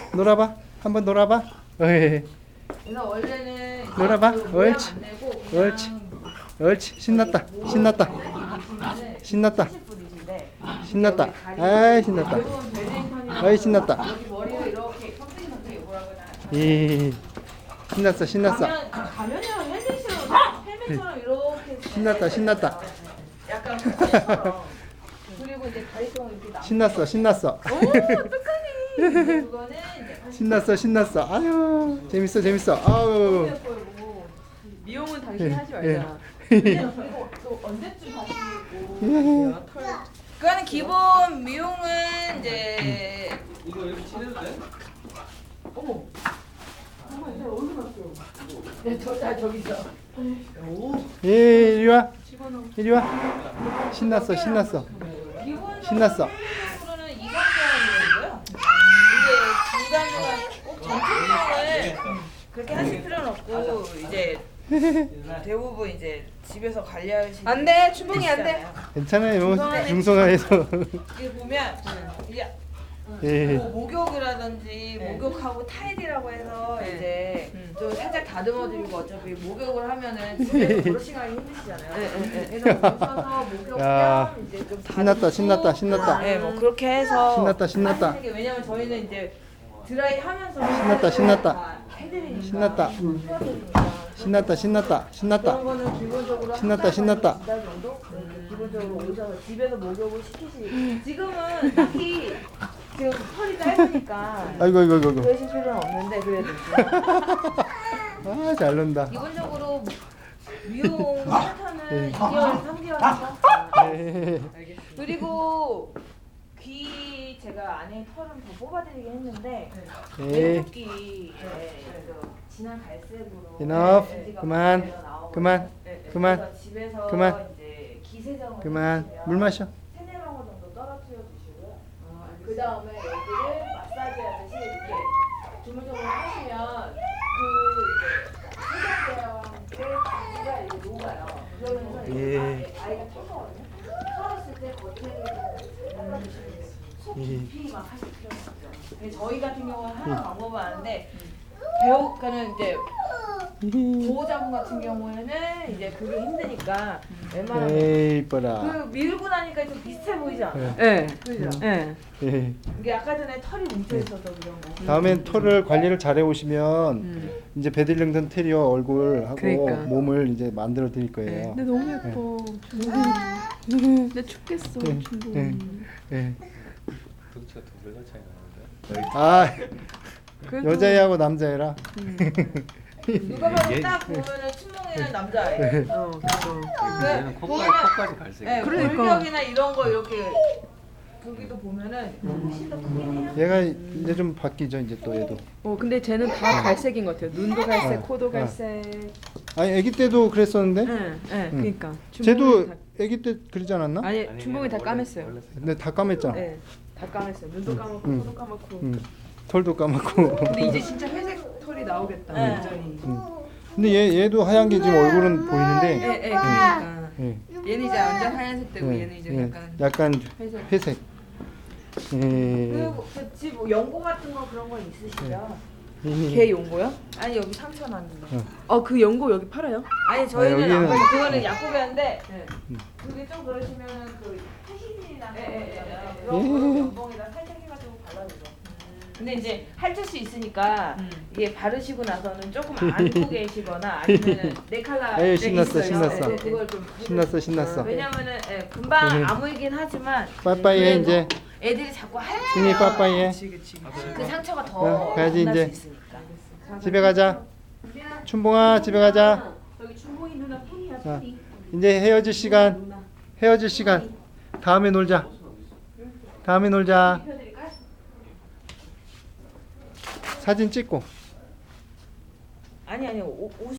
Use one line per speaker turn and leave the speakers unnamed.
놀아봐. 한번 놀아봐. 어이.
그래서 원래는
놀아봐.
그 모양
옳지.
안 내고
옳지.
그냥
옳지. 신났다. 신났다. 신났다.
70불이신데
신났다. 아이 신났다.
대부분 벨링턴이랑
아이 신났다.
여기 머리를 이렇게 컴퓨터 요구라고 하잖아요.
이 신났어. 신났어.
가면이랑 헬멧처럼 이렇게
신났다. 신났다.
약간 헬멧처럼. 그리고 이제 다리처럼 이렇게 나.
신났어. 신났어.
오 어떡하니? 그거는 이제
신났어. 신났어. 아유 재밌어. 재밌어. 아우.
예뻐요.
미용은 당신이 하지
예.
말자.
그리고 또 언제쯤 하시고 털. 그거는 기본 미용은 이제
이거 이렇게 칠해도 돼?
어머. 정말 내 얼굴 났어요. 네, 저기 있어. 오.
예, 이리 와. 이리 와. 신났어. 신났어.
기본
신났어.
미용으로는 이간질하는 이게 중간중간 꼭 전체적으로 그렇게 하실 필요는 없고 이제 대부분 이제 집에서 관리하시는
안 돼, 춘봉이 안 돼.
괜찮아요. 중성화해서.
이게 보면 이제
예.
뭐 목욕이라든지 목욕하고 타일이라고 해서 이제 좀 살짝 다듬어드리고 어차피 목욕을 하면은 집에서 브러싱하기 힘드시잖아요. 그래서 오셔서 목욕
야,
겸 이제 좀
신났다.
다듬고
신났다. 신났다.
네, 뭐 그렇게 해서
신났다. 신났다.
하시는 게 왜냐면 저희는 이제 드라이 하면서
신났다. 신났다.
다 해드리니까
신났다.
풀어드리니까
신났다. 신났다. 신났다.
그런 거는 기본적으로
신났다,
한
신났다.
달 정도 이렇게 기본적으로 오셔서 집에서 목욕을 시키시. 지금은 딱히 지금 털이 짧으니까
아이고 아이고 아이고.
그러실 필요는 없는데 그래도
아, 잘 논다.
기본적으로 미용 패턴은 2개월, 3개월이죠.
예.
그리고 귀 제가 안에 털은 더 뽑아드리긴 했는데
예.
왼쪽 귀 그 진한 갈색으로
Enough.
먼지가
그만.
많이 나오거든요.
그만. 그만.
그래서 집에서
그만.
이제 기세정을
그만.
해주시면
물 마셔.
3-4방울 정도 떨어뜨려 주시고요. 그 다음에 여기를 마사지 하듯이 이렇게 주물주물 하시면 그 이제 세정제와 함께 기가 이렇게 녹아요. 그러면서
예.
이제 아이가 터거든요. 털었을 때 겉에를 잘라주시면 돼요. 속 깊이 막 하실 필요는 없죠. 근데 저희 같은 경우는 하나 방법은 아는데 배우가는 이제 보호자분 같은 경우에는 이제 그게 힘드니까 웬만하면
에이, 이뻐라.
그 밀고 나니까 좀 비슷해 보이지 않아요?
예.
그죠?
예.
예.
이게 아까 전에 털이 뭉쳐 있어서 그런 거.
다음엔 털을 관리를 잘해 오시면 이제 베들링턴 테리어 얼굴하고
그러니까.
몸을 이제 만들어 드릴 거예요.
근데 너무 예뻐. 근데 춥겠어,
예.
춘봉이.
예.
덕치가 두 배가 차이 나는데.
아,
그래도-
여자애하고 남자애라.
누가 봐도
얘-
딱 보면은 춘몽이는 남자예요.
그쵸.
얘는
보면은
코까지 갈색.
네,
그러니까.
골격이나 이런 거 이렇게 거기도 보면은 훨씬 더 크긴 해요.
얘가 이제 좀 바뀌죠, 이제 또 얘도.
근데 쟤는 다 갈색인 것 같아요. 눈도 갈색, 코도 갈색.
아니, 아기 때도 그랬었는데.
예, 그러니까.
쟤도
춘봉이 다-
아기 때 그러지 않았나?
아니, 춘봉이 다 까맸어요.
근데 다 까맸잖아.
예, 다 까맸어요. 눈도 까맣고,
응.
코도 까맣고.
털도 까맣고.
근데 이제 진짜 회색 털이 나오겠다,
네.
완전히.
근데 얘도 하얀 게 지금 얼굴은 보이는데.
예, 그러니까.
예.
얘는 이제 완전 하얀색 되고
예,
얘는 이제
예.
약간
약간
회색.
회색. 예.
그리고 그집 뭐 연고 같은 거 그런 거 있으시죠?
걔 용고요?
아니 여기 상처 났는데.
그 연고 여기 팔아요?
아니 저희는
여기는-
안 팔고 그거는 약국이었는데
네.
그게 좀 그러시면은 그 태신이나
예, 예,
있잖아요.
예,
그런 거 연봉에다 살짝 해가지고 발라주죠. 근데 이제 핥을 수 있으니까 이게 바르시고 나서는 조금 안고 계시거나 아니면은 네 칼라
에이, 신났어,
있어요.
신났어.
네, 그걸 좀
신났어, 신났어.
왜냐면은 금방
네.
아물긴 하지만
빠빠이해
그래도
이제.
애들이 자꾸
승희
핥으면
빠빠이해.
그치.
그 상처가 더
어, 가야지,
날
이제.
수 있으니까.
집에 가자. 춘봉아, 집에 가자.
여기 춘봉이 누나 팬이야,
자, 이제 헤어질 시간. 헤어질 시간. 다음에 놀자. 다음에 놀자. 사진 찍고.
아니 옷